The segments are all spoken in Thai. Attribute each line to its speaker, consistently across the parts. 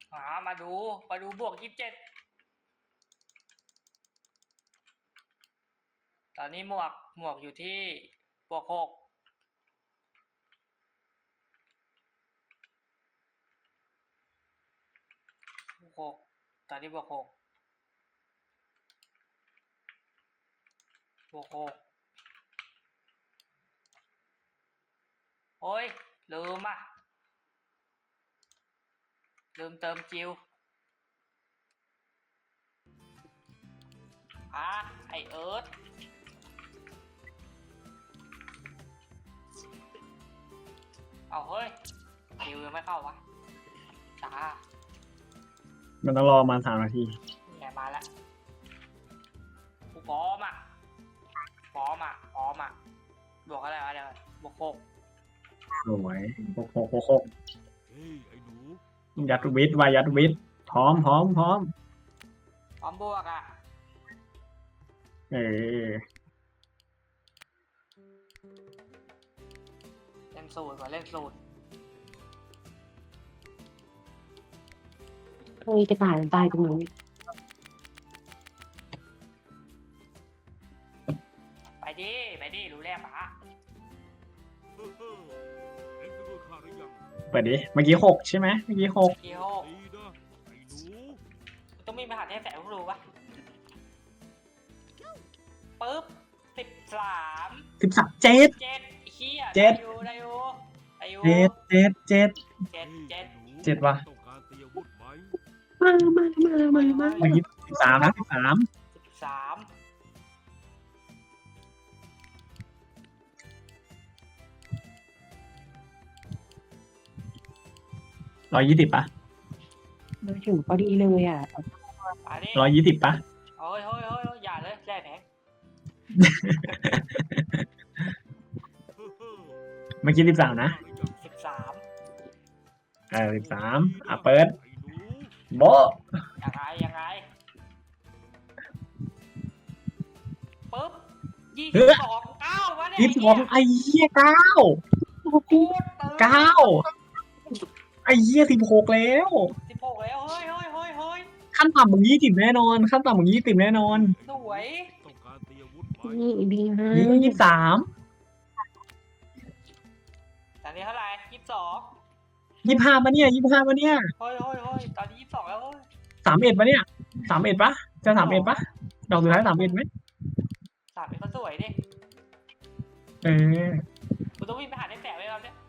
Speaker 1: มาดูบวก27ตอนนี้หมวกอยู่ที่บวก6ตอนนี้บวก6โอ้ยลืมเติมจิวไอเอิร์ธเอาเฮ้ยจิวยังไม่เข้าวะจ้า
Speaker 2: มันต้องรอมา3 นาที
Speaker 1: แกมาแล้วกูพร้อมอ่ะบวกอะไรวะเดี๋ยวบวก6
Speaker 2: สวย6
Speaker 3: เฮ้ยไอ้หนู
Speaker 2: ยัดวิทย์วายัดวิทย์พร้อม
Speaker 1: บวก
Speaker 2: เออ
Speaker 1: เล่นสูตรก่อนเล่นสูตร
Speaker 4: เฮ้ยกระต่ายตายตรงนู้น
Speaker 1: ไปดิรู้แล้วปะ
Speaker 3: เฮ้อเฮ้อเอ็งไปด้วยข้าหรือยัง
Speaker 2: เปิดดิเมื่อกี้6ใช่ไหมเมื่อกี้6
Speaker 1: เกียว
Speaker 3: ดีนะไอ้หนู
Speaker 1: ต้องมีมหาเทพแสงรู้ปะปึ๊บ13
Speaker 2: 7
Speaker 1: 7เฮียได้อยู่
Speaker 2: 7 ว่ะ
Speaker 3: ต้องการเตรียมอาวุธไหม
Speaker 4: มา
Speaker 2: เมื่อกี้13นะ13
Speaker 1: 13
Speaker 2: 120ป่ะ
Speaker 4: มาถึงพอดีเลยอ่ะ
Speaker 1: มาดิ
Speaker 2: 120ป่ะ
Speaker 1: เฮ้ยอย่าเลยแร่แผง
Speaker 3: เฮ้อเฮ้อ
Speaker 2: เมื่อกี้13นะ
Speaker 1: 13
Speaker 2: 13เปิด
Speaker 3: ไอ้หนู
Speaker 2: โบะ
Speaker 1: ยังไงปึ๊บ22 9วะเนี่ย
Speaker 2: 22ไอ้เหี้ย9 ไอ้เหี้ย16แล้ว
Speaker 1: 16แล้วเฮ้ย
Speaker 2: ขั้นต่ำมึง20แน่นอนขั้นต่ำมึง20แน่นอน
Speaker 1: สวย
Speaker 3: ต้องการเตรียมอาวุธไหม
Speaker 4: นี่ดีฮะ
Speaker 2: นี่ก็23
Speaker 1: ตอนนี้เท่าไหร่22
Speaker 2: 25ป่ะเนี่ย25ป่ะเนี่ย
Speaker 1: เฮ้ยตอนนี้22แล้วเฮ้ย
Speaker 2: 31ป่ะเนี่ย31ป่ะจะ31ป่ะดอกสุดท้าย31ไหม
Speaker 1: 3ก็สวยดิ
Speaker 2: เออ
Speaker 1: กูต้องวิ่งไปหาได้แสงเลยเราเนี่ย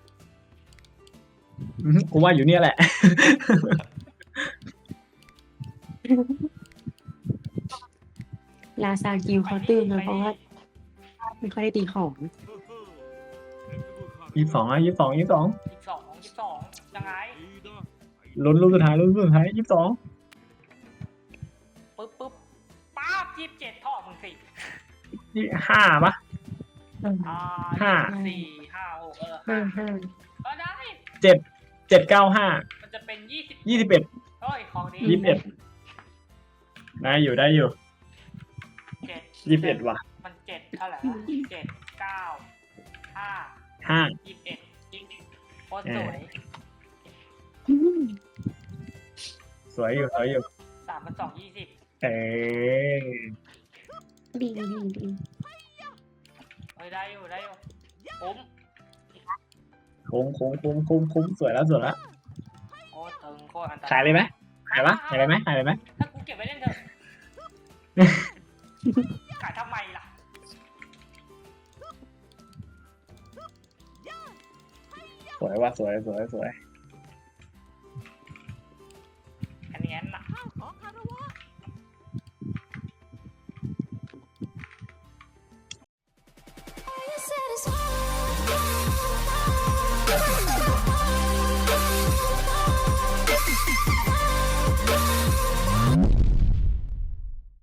Speaker 2: กูว่าอยู่เนี่ยแหละ
Speaker 4: ลาซากิวเขาตื่นนะเพราะว่าไม่ค่อยได้ตีของ
Speaker 3: เฮ้อเฮ้อเอ็งไปด้วยข้าหรือยัง
Speaker 2: 22อ่ะ22
Speaker 1: 22ยังไง
Speaker 3: ดีนะไอ้ห
Speaker 2: ลุ้นลูกสุดท้าย22
Speaker 1: ปึ๊บป๊าบ27ท่อมึงสิ
Speaker 2: นี่5ป่ะ
Speaker 1: ห้า
Speaker 2: 5
Speaker 1: 4 5 6
Speaker 4: 5
Speaker 1: ก็ได้
Speaker 2: 795
Speaker 1: มันจะเป็น20
Speaker 2: 21
Speaker 1: เฮ้ยของนี้
Speaker 2: 21ได้อยู่
Speaker 1: 7
Speaker 2: 21ว่ะ
Speaker 1: มัน7เท่าไหร่วะ7 9 5
Speaker 2: 5
Speaker 1: 21โคตรสวย
Speaker 2: สวยอยู่
Speaker 1: 3 2 20
Speaker 2: เออ
Speaker 4: ดี
Speaker 1: เฮ้ยได้อยู่คุ้ม
Speaker 2: คุ้มสวยแล้ว
Speaker 1: โคตรตึงโคตรอันตราย
Speaker 2: ขายเลยไหมขายเลยไหม
Speaker 1: ถ้ากูเก็บไว้เล่นเถอะขายทำไมล่ะ
Speaker 2: สวยว่ะสวย
Speaker 1: อันนี้น่ะ
Speaker 5: satisfied